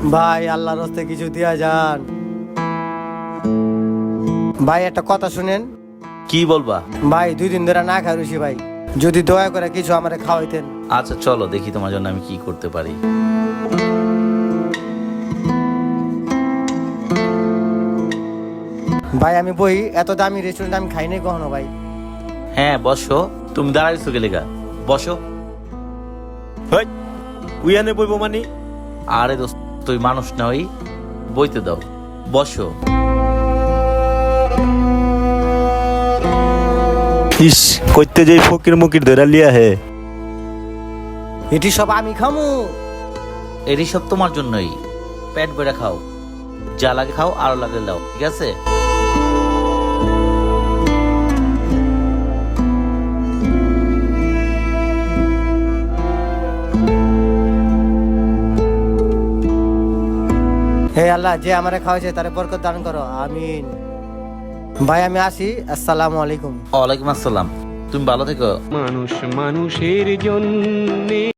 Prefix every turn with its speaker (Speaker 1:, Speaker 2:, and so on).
Speaker 1: ভাই আল্লাহর রাস্তায় কিছু দিয়া যান। ভাই একটা কথা শুনেন
Speaker 2: কি বলবা?
Speaker 1: ভাই, 2 দিন ধরে না খাই রয়েছি ভাই, যদি দয়া করে কিছু আমারে খাওয়াইতেন।
Speaker 2: আচ্ছা চলো দেখি তোমার জন্য আমি কি করতে পারি।
Speaker 1: ভাই আমি বই, এত দামি রেস্টুরেন্ট আমি খাই নাই কখনো ভাই।
Speaker 2: হ্যাঁ বসো, তুমি দাঁড়াইছো গেলে গা, বসো।
Speaker 3: হেই, উইয়ানে বইব মানে?
Speaker 2: আরে দোস্ত, তুই মানুষ না, ওই বইতে দাও, বসো।
Speaker 3: ইস, কইতে যেই ফকির মুকির ধরে লিয়া হে।
Speaker 1: এটি সব আমি খামু?
Speaker 2: এরই সব তোমার জন্যই, পেট বেড়ে খাও, যা লাগে খাও, আরো লাগে দাও, ঠিক আছে?
Speaker 1: হে আল্লাহ, যে আমারে খাওয়াইছে তারে বরকত দান করো, আমিন। ভাই আমি আসি, আসসালামু আলাইকুম।
Speaker 2: ওয়ালাইকুম আসসালাম, তুমি ভালো থেকো।
Speaker 4: মানুষ মানুষের জন্য